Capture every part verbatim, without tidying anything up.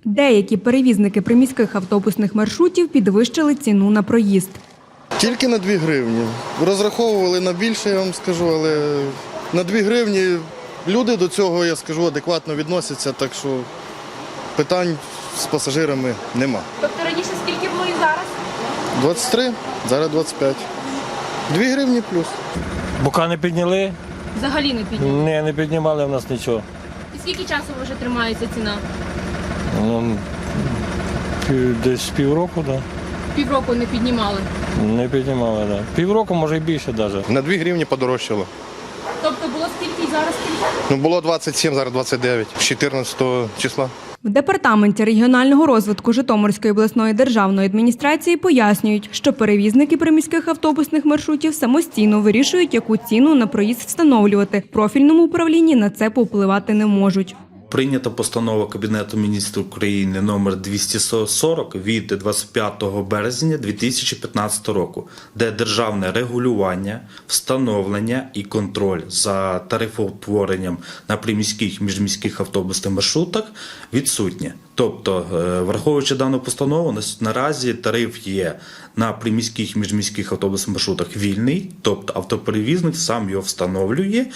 Деякі перевізники приміських автобусних маршрутів підвищили ціну на проїзд. Тільки на дві гривні. Розраховували на більше, я вам скажу, але на дві гривні люди до цього, я скажу, адекватно відносяться, так що питань з пасажирами нема. Тобто раніше скільки було і зараз? двадцять три, зараз двадцять п'ять. Дві гривні плюс. Бока не підняли? Взагалі не підняли. Ні, не піднімали в нас нічого. І скільки часу вже тримається ціна? Ну, пів- десь півроку, так. Да. Півроку не піднімали. Не піднімали, так. Да. Півроку, може і більше навіть. На дві гривні подорожчало. Тобто було скільки і зараз скільки? Ну, було двадцять сім, зараз двадцять дев'ять, з чотирнадцятого числа. В Департаменті регіонального розвитку Житомирської обласної державної адміністрації пояснюють, що перевізники приміських автобусних маршрутів самостійно вирішують, яку ціну на проїзд встановлювати. В профільному управлінні на це повпливати не можуть. Прийнята постанова Кабінету міністрів України номер двісті сорок від двадцять п'ятого березня дві тисячі п'ятнадцятого року, де державне регулювання, встановлення і контроль за тарифоутворенням на приміських і міжміських автобусних маршрутах відсутнє. Тобто, враховуючи дану постанову, наразі тариф є на приміських і міжміських автобусних маршрутах вільний, тобто автоперевізник сам його встановлює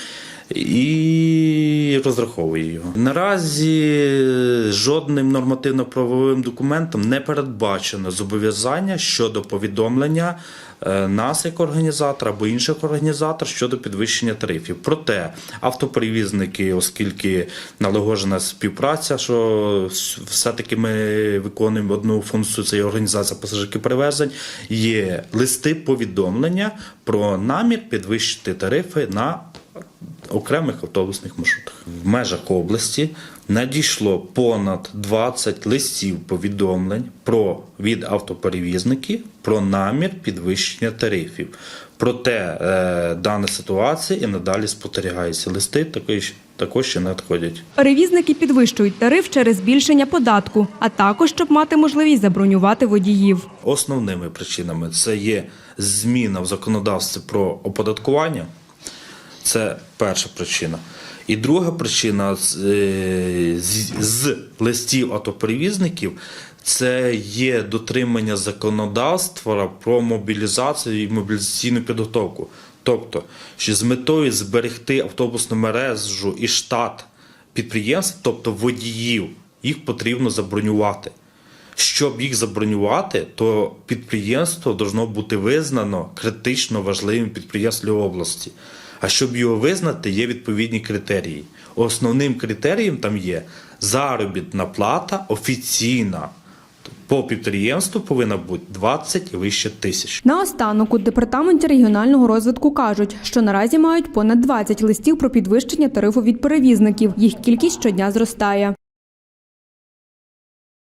і розраховує його. Наразі жодним нормативно-правовим документом не передбачено зобов'язання щодо повідомлення нас як організатора або інших організаторів щодо підвищення тарифів. Проте автоперевізники, оскільки налагоджена співпраця, що все-таки ми виконуємо одну функцію, це є організація пасажирських перевезень, є листи повідомлення про намір підвищити тарифи на окремих автобусних маршрутах. В межах області надійшло понад двадцять листів повідомлень про, від автоперевізників про намір підвищення тарифів. Проте е, дана ситуація і надалі спостерігається. Листи також, також ще надходять. Перевізники підвищують тариф через збільшення податку, а також, щоб мати можливість забронювати водіїв. Основними причинами це є зміна в законодавстві про оподаткування. Це перша причина. І друга причина з, з, з листів автоперевізників – це є дотримання законодавства про мобілізацію і мобілізаційну підготовку. Тобто, що з метою зберегти автобусну мережу і штат підприємств, тобто водіїв, їх потрібно забронювати. Щоб їх забронювати, то підприємство повинно бути визнано критично важливим підприємством області. А щоб його визнати, є відповідні критерії. Основним критерієм там є заробітна плата офіційна. По підприємству повинна бути двадцять і вище тисяч. Наостанок у Департаменті регіонального розвитку кажуть, що наразі мають понад двадцять листів про підвищення тарифу від перевізників. Їх кількість щодня зростає.